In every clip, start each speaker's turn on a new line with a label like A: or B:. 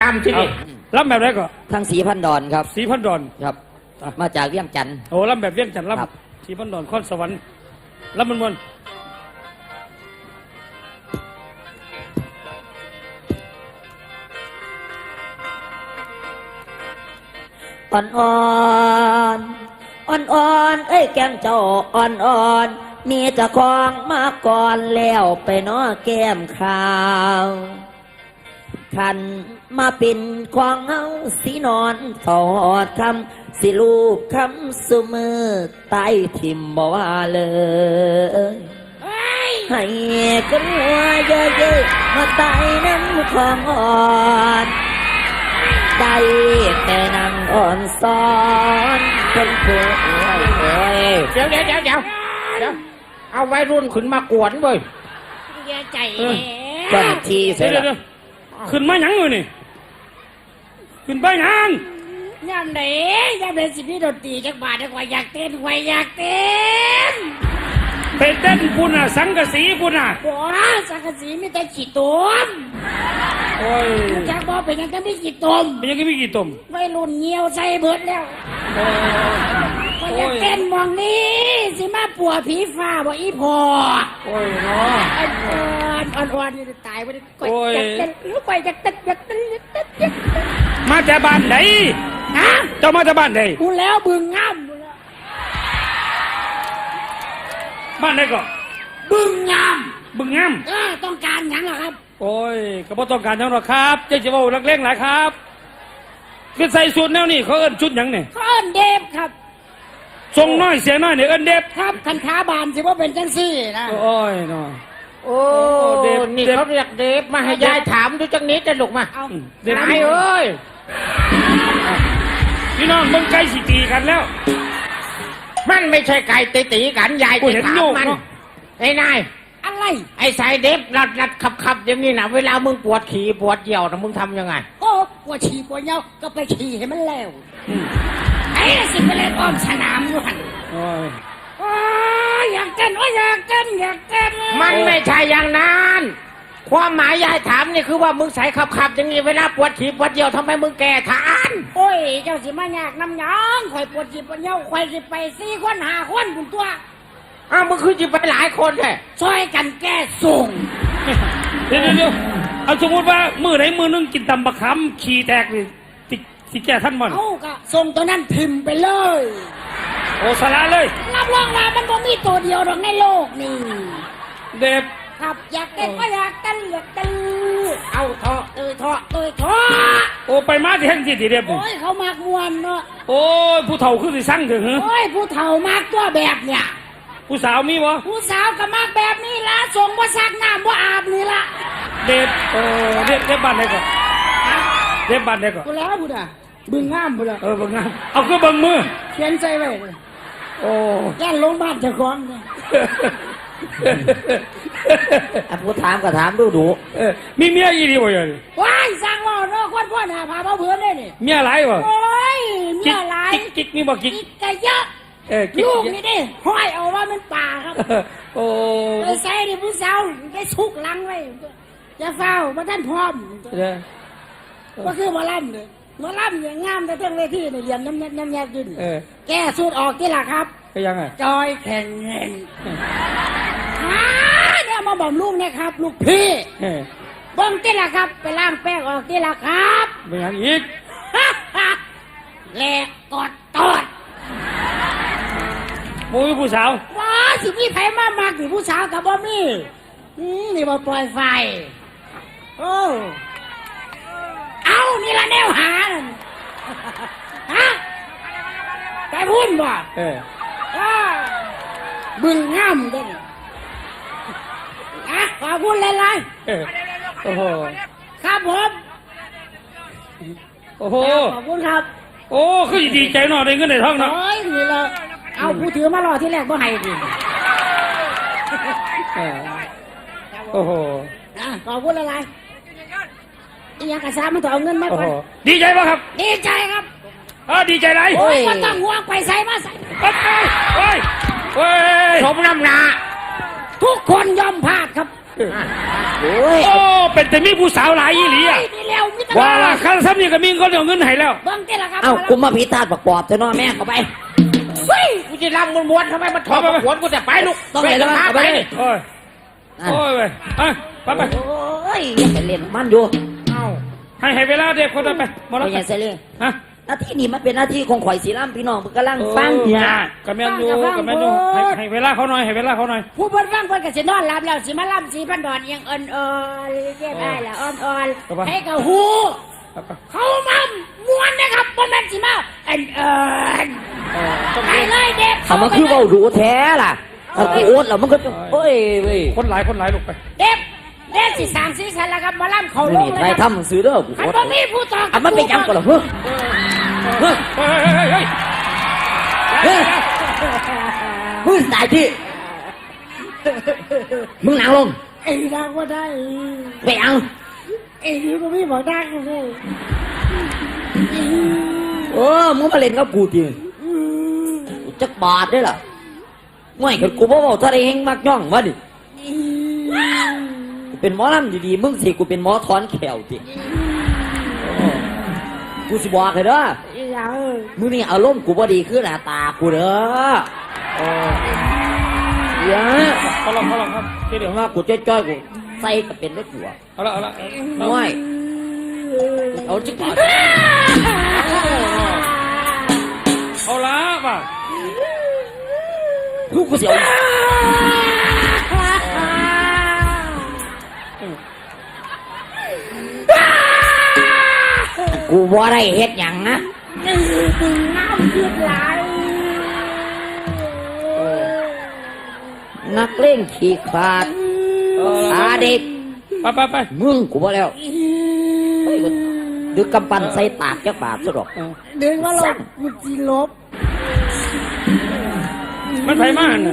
A: ลำที่นี่ลำแบบไหนก็
B: ทางสีพันดอนครับ
A: สีพันดอน
B: ครับมาจากเวียงจันทร์
A: โอ้ลำแบบเวียงจันทร์ลำสีพันดอนข้อนสวรรค์ลำมัน
B: อ่อนอ่อนอ่อนอ่อนเอ้ยแก้มเจ้าอ่อนอ่อนมีเจ้าของมาก่อนแล้วไปน้อแก้มขาวขันมาเป็นของเฮาสีนอนถอดคำสิลูกคำสุมือใต้ทิมบ่ว่าเลยให้กันหัวเยอะๆมาใต้น้ำของอ่อนได้แต่นั่งอ่อนซ้อนเป็นเพื่อน
A: เดี๋ยวเอาไว้รุ่นขึ้นมากวนเว้ย
C: อย่าใจ
B: จันทีเสร็จแล้ว
A: ขึ้นมาหยังเลยนี่ขึ้นไปหยัง
C: ย่ำไหนสิพี่ดนตรีจักบาทจักว่าอยากเต้น
A: ไปเต้นปุ่นอ่ะสังกะสีปุ่นอ่ะ
C: โอ้สังกะสีมีแต่ขี้ตุ่ม
A: โอ้ย
C: จักบอกเป็นยังก็มีขี้ตุ่ม
A: เป็นยังก็มีขี้ตุ่ม
C: ไม่รุ่นเงียวใส่เบิดแล้วก็อยากเต้นมองนี้สิมาปัวผีฟ้าบ่อีพอ
A: โอ้ยเนาะ
C: อ่อนจะตายไปอยากเต้นไปอยากเต้น
A: มาจากบ้านไหน
C: ฮะ
A: เจ้ามาจากบ้านไหน
C: กูแล้วบึงงาม
A: บ้านไหนก็
C: บึงงามต้องการหยังเหรอครับ
A: โอ้ยก็บ่ต้องการหยังหรอกครับเจ๊จะว่านักเลงหลายครับคือใส่ชุดแนวนี้เขาเอิ้นชุดหยังเนี่ย
C: เขาเอิ้นเดฟครับ
A: ทรงน้อยเสียน้อยเนี่ยเอิ้นเดฟ
C: ครับคันขาบานสิว่าเป็นจังซี่นะ
A: โอ้ยเนาะ
C: โอ้
A: เดฟนี่เขาเรียกเดฟมาให้ยายถามดูจังนี้จะลุกมาเดฟเอ้ยพี่น้องมึงไก่สิตีกันแล้ว
D: มันไม่ใช่ไก่ตีกันยายจะถามมันไอ้นาย
C: อะไร
D: ไอ้สายเด็บรัดขับอย่างนี้นะเวลามึงปวดขี่ปวดเยี่ยวนะมึงทำยังไง
C: โอ้ปวดฉี่ปวดเยี่ยวก็ไปฉี่ให้มันแล้วไอ้สิไปเล่นอ้อมสนามอยู่หันอยากเต้นอยากเต้น
D: มันไม่ใช่อย่างนั้นความหมายยายถามนี่คือว่ามึงใส่ขับอย่างนี้เวลาปวดฉี่ปวดเยี่ยวทำไมมึงแก่ทาน
C: โอ้ยเจ้าสิมาอยากน้ำหยองข่อยปวดฉี่ปวดเยี่ยวข่อยสิไป4 คน5 คนคุณตัว
D: มึงคือจะไปหลายคนแท้
C: ช่วยกันแก้ส่ง
A: เดี๋ยวเอาสมมติว่ามือไหนมือนึงกินตำบะขามขี่แตกเลยสิแก้ท่านมัน
C: ก็ส่งตัวนั้นพิมพ์ไปเลย
A: โอ้สาระเลย
C: รับรองว่ามันบ่มีตัวเดียวหรอกในโลกนี่
A: เด็บ
C: ครับอยากเต้นก็อยากเต้น
D: เอาเถาะ
A: โอ้ไปมาที่แห่งที่เด็บ
C: โอ้ยเขามากมวนเนาะ
A: โอ้ยผู้เฒ่าคือสิสั่งถึงเหรอ
C: โอ้ยผู้เฒ่ามากตัวแบบเนี่ย
A: ผู้สาวมีวะ
C: ผู้สาวก็มากแบบนี้ละส่งว่าซักน้ำว่าอาบนี่ละ
A: เด็บเด็บบ้านไหนก่อนเด็บบ้านไหนก่อน
C: กูแล้วบุญบึงงามบุญ
A: บึงงามเอาคือบึงมือ
C: เขียนใจไว้
A: โอ้
C: ย่านลงบ้านเจ้าของเนี่ย
B: ผู้ถามก็ถามดู
A: มีเมียอีดีบ่ยัง
C: ว้ายสร้างว่าเนาะคนพ่อหน้าพาเพื่อนได้นี่
A: เมียหลายวะ
C: โอ้ยเมียหลาย
A: กิ๊กมีบ่กิ๊ก
C: ก็เยอะลูกนี่ดิห้อยเอาว่ามันป่าครับ
A: โอ้
C: ไปใส่ดิผู้สาวได้ชุกลังไว้จะเฝ้ามาท่านพร้อมก็คือมาล่ำเลยมาล่ำอย่างงามแต่เรื่องเวทีเนี่ยเรียนน้ำแยกดินแก้สูตรออกที่ละครับ
A: ก็ยังไง
C: จอยแข่งเงินเนี่ยมาบอกลูกนะครับลูกพี่บ้องที่ละครับไปล้างแป้งออกที่ละครับ
A: เป็นอย่างอีก
C: แหลกกอดตอด
A: มูผู้สาว
C: ว้าสิพี่ไผ่มากๆสิผู้สาวกับบ่มีนี่มาปล่อยไฟโอ้เอานี่ละแนวหาฮะไปพูดบ่บึงงามด้วยขอพูดเลย
A: โอ้โห
C: ครับผม
A: โอ้โห
C: ขอบคุณครับ
A: โอ้คือดีใจหน่อยได้เงินในท้องเนาะ
C: โอ้ยนี่เราเอาผู้ถือมารอที่แรกบ่ให้ดิ
A: โอ้โห
C: ขอบคุณอะไรอีหยังกระซ่ามันต้องเอาเงินมาก่อน
A: ดีใจป่ะครับ
C: ดีใจครับ
A: ดีใจไร
C: โอ้ยก็ต้องห่วงไปใส่มาใส่
A: เฮ้ย
D: สมน้ำหนา
C: ทุกคนยอมพลาดครับ
A: โอ้เป็นแต่มีผู้สาวหลายอีหลีอ่ะ
C: มีแล้วมิตร
A: ว่าละคันซ้ำนี่ก็มีคนเอาเงินให้แล้ว
C: เบิ่งเจ้าละครับ
B: เอ้ากูมาผีตาดประกอบเถอะเนาะแม่เข้าไป
C: เฮ้ย
D: กูจะรำม้วนๆทำไมมันถอดขวนกูจะไปลูก
B: ต้องไปแล้ว
D: พา
B: เอา
D: ไป
B: ไป
D: นี่
A: โอ้ย
B: นั่น
A: โอ้ยเว้ยไปไป
B: โอ้ยอย่าไปเล่นมันอยู่
D: เอ้า
A: ให้เวลาเด็กคนนั้นไปหมด
B: ไม่
A: แล้ว
B: ใช่เสลี
A: ฮะ
B: หน้าที่นี้มันเป็นหน้าที่ของข่อยสีล่ำพี่น้องเพิ่นกำลังฟังเนี่ย
A: กระแมนอยู่กระแมนอยู่ให้เวลาเขาหน่อยให้เวลาเขาหน่อย
C: ผู้เพิ่นฟังเพิ่นก็สินอนหลับแล้วสิมาล่ำสีพันดอนเอียงอ่อนๆเรียบได้ละอ่อนๆให้กับหูเขามาม้วนนะครับบ่แม่นสิมาอ่อนๆไปเลยเด็ก
B: เอามันคือเว้าดูแท้ล่ะเอากูโอ๊ตแล้วมันก็โอ้ยเว้ย
A: คนหลายลูกไป
C: เด็กสิสร้างสีสันแล้วครับหมาล่ำเขาลง
B: นี่
C: เลย
B: ใคร
C: ครับ
B: ทำหนังสือเด้อกู
C: คัน
B: โอ๊ต
C: บ่มีผู้ตอบ
B: อ่ะมันเป็นยังก่อนเหรอเฮ้ยเฮ้ย
A: เฮ้ย
B: เฮ้ยมึงตายที่มึงนั่งลง
C: ไอ้ดังว่าได้
B: ไปเอา
C: ไอ้นี่ก็มีบอกดังเลย
B: มึงมาเล่นกับกูจริงกูจักบาทได้ล่ะง่วยกันกูบ่เว้าทะเลเฮงมักย่องวะดิกูเป็นหมอลำดีๆมึงสิกูเป็นหมอถอนแขวจิกูสิบอกเลยเด้อ
C: ไอ้ดัง
B: มึงนี่อารมณ์กูบ่ดีคือหน้าตากูเด้อเดี๋ยว
A: เขาลองครับเดี๋ยว
B: ว่ากูจ้อยๆกูใส่ก็เป็นได้กูอ่ะ
A: เอาละ
B: ง่วยเอาจักบาท
A: เอาละป่ะ
B: ลูกกูเสียวกูบ่ได้เฮ็ดหยังนะ
C: น้ำเดือดไหล
B: นักเล่นขี้ขาดอาเด็ก
A: ไป
B: มึงกูบ่แล้วเฮ้ยกูดึกกำปั้นใส่ตากจักบาทซะดอก
C: เดินว่าลบมันจีลบ
A: มันไผมาน่ะ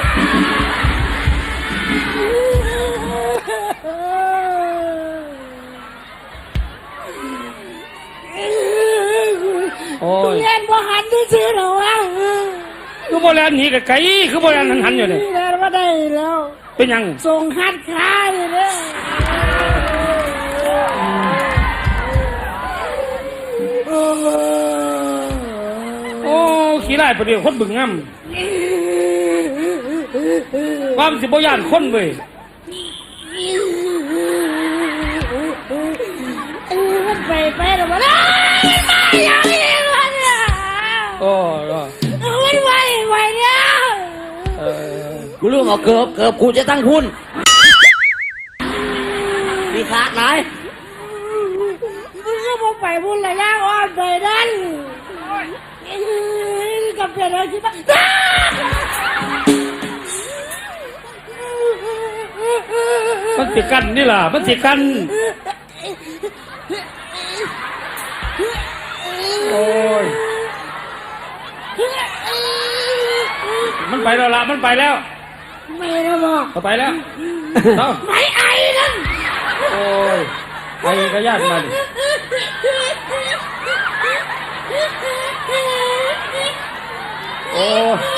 A: โอ้ย
C: เรียนบ่หันที่ซื้อหรอวะ
A: คือโบราณหนีกับไก่คือโบราณหันอยู่เนี่ย
C: เรียนว่าได้แล้ว
A: เป็นยัง
C: ส่งหัดคลายเลย
A: โอ้ขี้ไล่ประเดี๋ยวคนบึงงำความสิบย่านคนเว้ย
C: มันไปหรอวะมันไปอย่างนี้มันเนี่ย
A: โอ้ย
C: มันไปเนี่ย
B: กูเรื่องเอาเกือบกูจะตั้งคุณมีขาดไหน
C: มึงก็มาไปบุญระยะอ่อนไปนั่นกับเพื่อนเราคิดว่า
A: มันสิกันนี่ล่ะมันสิกันโอ้ยมันไปแล้วล่ะมันไปแล้ว
C: ไม่นะบอก
A: ไปแล้วเอ้า
C: ไม่ไอ้นั่น
A: โอ้ยไปกระยานมาดิโอ้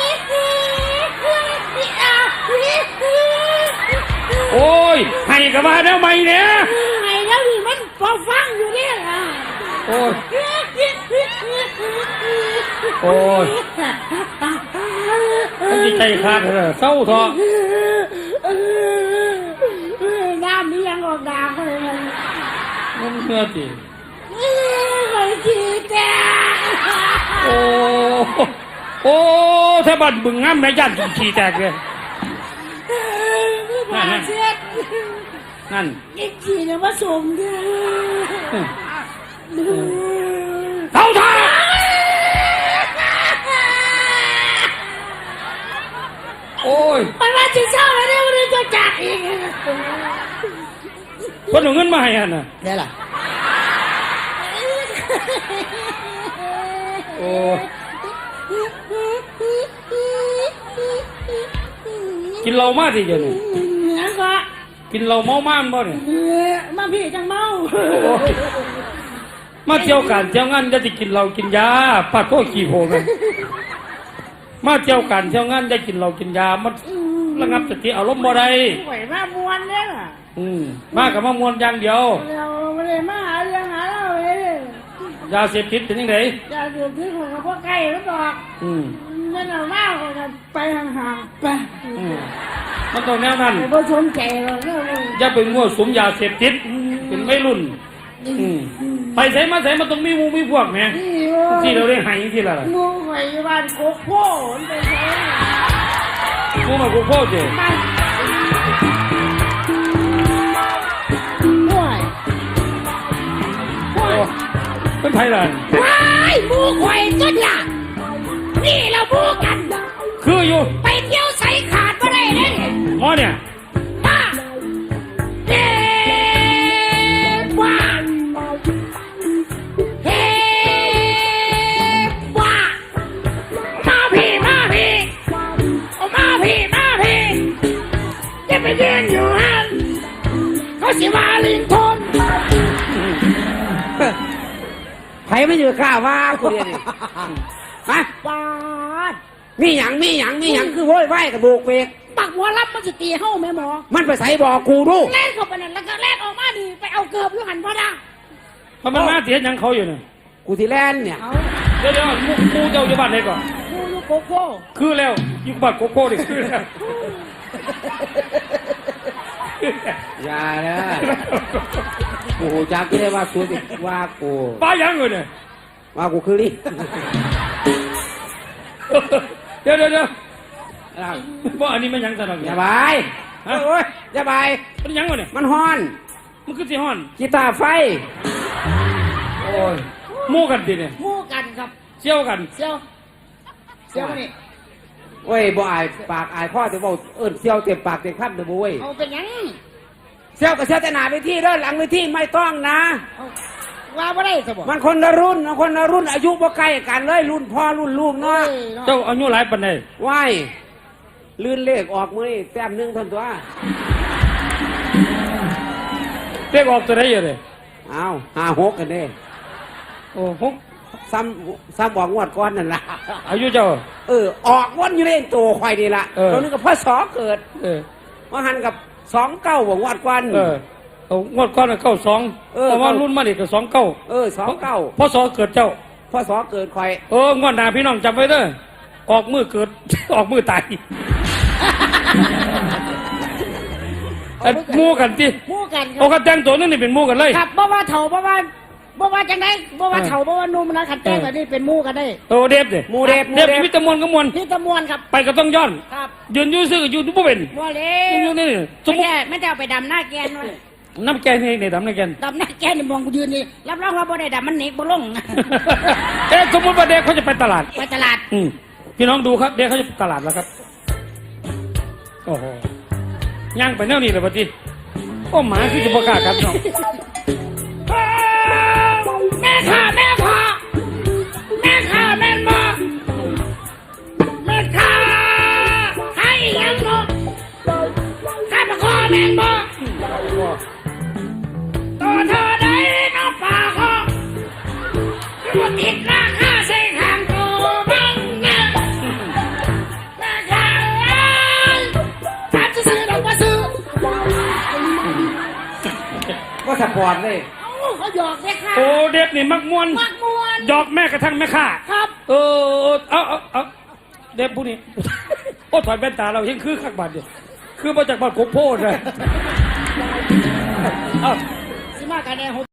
A: โอ้ยให้กับมาแล้วไหมเนี่ย
C: ไอ้แล้วนี่มันพอฟังอยู่เนี่ย
A: โอ้ยโอ้ยมันจิใจขาดเลยเศร้าท้อ
C: น้ำนี่ยังออกดาเลย
A: มันเมื่อจี
C: ไอ้จีแก
A: โอ้โอ้ถ้าบัดบึงงามแม่ยันขี้แตกเลย
C: มาเช็ด
A: นั่น
C: อีกทีเนี่ยมาสมเด้อ
A: เท่าท่าโอ้ย
C: มันว่าจะเช่าแล้วเนี่ยมันจะจัดอีก
A: คนเอาเงินมาให้อันน่ะ
B: ได้ล่ะ
A: โอ้กินเหล้ามาสิเดี๋ยวนี้
C: แล้วก็
A: กินเหล้าเมาม่านบ่เนี่ย
C: มาพี่จังเมา
A: โอ้ยมาเที่ยวการเที่ยวงานจะกินเหล้ากินยาปัดพวกขี้โพงเลยมาเที่ยวการเที่ยวงานจะกินเหล้ากินยามันระงับสติอารมณ์บ่ได้
C: ไหวมามวนเนี่ย
A: มากับมามวนอย่างเดียว
C: เราไม่ได้มาหาเ
A: ยาเสพติดเป็นยังไง
C: อย่าดูที่ของพวกใกล้แล้วดอก
A: อืม
C: นั่นเอาหน้าก็ไปห่างๆไป
A: อืมมันต้องแนวนั้น
C: ไม่สนใจหรอกเนี่ย
A: อย่าไปมั่วสุมยาเสพติดเป็นไม่รุ่น อืมไปใส่มาใส่มันต้องมีหมูมีพวกแหม
C: นี่
A: ที่เราได้ใหายที่ละล่ะ
C: งูไข่บ้านโคกโพ่มันไปใช้
A: หมูมากูโคตรเจ๋
C: บ้านห่วยห่วย
A: เป็นไทยล่ะ
C: ว้ายหมูไข่จุดล่ะนี่เราหมูกัน
A: คืออยู่
C: ไปเที่ยวใส่ขาดมาได้เลย
A: หมอเนี่ย
C: มาเฮ้ว่าเฮ้ว่ามาพี่มาพี่เอามาพี่มาพี่จะไปยืนอยู่ฮันเขาสิว่าลิงทน
D: ไผไม่อยู่ข้าว่ากูเดียวนี่ฮะ
C: ปาด
D: มีหยังคือโว้ยไหวกับโบกเวก
C: ปักหัวรับมันจะตีเฮ้าแม่หมอ
D: มันไปใส่บอกกูดู
C: แล่นเข้าไปนั่นแล้วก็แล่นออกมาดีไปเอาเกือบอยู่หันพอดา
A: มันมาเสียยังเขาอยู่เนี่ย
D: กูที่แลนเนี่ย
C: เอา
A: เดี๋ยวหมูเจ้าอยู่บ้านไหนก่อน
C: กูอยู่โกโก้
A: คือแล้วอยู่บ้านโกโก้ดิคือแล้ว
D: อย่านะกูหูจักก็ได้ว่ากูสิว่ากู
A: ป้ายังเลยเนี่ย
D: ว่ากูคือนี่
A: เดี๋ยวว่าอันนี้มันยังสนุก
D: อย่าบายโอ้ยอย่าบาย
A: มันยังวะเนี่ย
D: มันฮ้อน
A: มันคือสิฮ้อน
D: กีตาร์ไฟ
A: โอ้ยหมู่กันดิเนี่ย
C: หมู่กันครับ
A: เชี่ยวกัน
C: เซียวมานี่
D: โอ้ยบ่อายปากอายพ่อจะบอกเซี่ยวเต็มปากเต็มคำเด้อบ่เว้ย
C: เอาเป็นหยัง
D: เซี่ยวกับเซี่ยวแต่หนาไปที่เด้อหลังไปที่ไม่ต้องนะ
C: เอาว่าบ่ได้สบ
D: มันคนละรุ่นอายุบ่ใกล้กันเลยรุ่นพ่อรุ่นลูกเนาะ
A: เจ้าอายุหลายปานใด
D: ว้ายลื่นเลขออกมือนี่แต้มหนึงเท่านตัว
A: เรียกออกตัวได้เยอะเลย
D: อ้าว56กันเด้
A: โอ้หก
D: ซ้ำบอกงวดก้อนนั่นล่ะ
A: อายุเจ้า
D: ออกวนอยู่เล่นตัวควายนี่ล่ะ
A: เออ
D: ตัวนึงกับพ่อสอเกิด
A: เออ
D: ว่าหันกับ29บอกงวดก้อน
A: เอางวดก้อนเก้าสอง
D: เออ
A: เพราะว่ารุ่นมาเด็กก็29
D: 29
A: พศเกิดเจ้า
D: พ่อสอเกิดควาย
A: งวดหน้าพี่น้องจำไว้เด้อออกมือเกิด ออกมือตายไอ้หมู่กันที่
C: หมู่กันค
A: โอ้
C: รับ
A: กันแต่งตัวนั่นนี่เป็นหมู่กันเลย
C: ครับบ่ว่าเฒ่าบ่ว่าจังไดบ่ว่าเฒ่าบ่ว่าหนุ่มนะขัดแจ้งแบบนี้เป็นหมู่กันได้
A: โอ้เดฟเนี่ย
D: หมูเดฟ
A: เดฟมีแตะมวนก็มวน
C: นี่ตะมวนครับ
A: ไปก็ต้องย้อน
C: ครับ
A: ยืนอยู่ซื่ออยู่บ่เป็น
C: บ่เล
A: ยืนอยู่นี่สมมุติ
C: ไม่ได้เอาไปดำหน้าแกนว่า
A: น้ำแกงนี่ในดำน้ำแกง
C: ดำหน้าแกนนี่มองกูยืนนี่รับรองว่าบ่ได้ดำมันหนีบ่ลง
A: สมมติว่าเด็กเขาจะไปตลาด
C: ไปตลาด
A: พี่น้องดูครับ เด็กเขาจะไปตลาดแล้วครับ โอ้โหย่างไปแนวนี้เลยปะจีโอ้หมาคือจะประกล้าศครับน้อง
C: แม่ข้าแม่พ่อแม่ข้าแม่นบ่แม่ข้าให้ยังบ่ข้ามาขอแม่นบ่ตัวเธอได้น้องป่าขอตัวติดราคาใส่ข้างตัวบังนะแม่ข้าถามซื้อดอกว่าซื้อ
D: ก็สปอร์ตเลย
C: เขาหยอกแม่ข้า
A: โอ้เด็กนี่มักมวน
C: มักมวน
A: หยอกแม่กระทั่งแม่ข้า
C: ครับ
A: เอาเด็กผู้นี้ โอ้ถอดแว่นตาเราเห็นคือขักบาดเดียวคือมาจากบ้านโคกโพดเลย
C: สิมากันแน่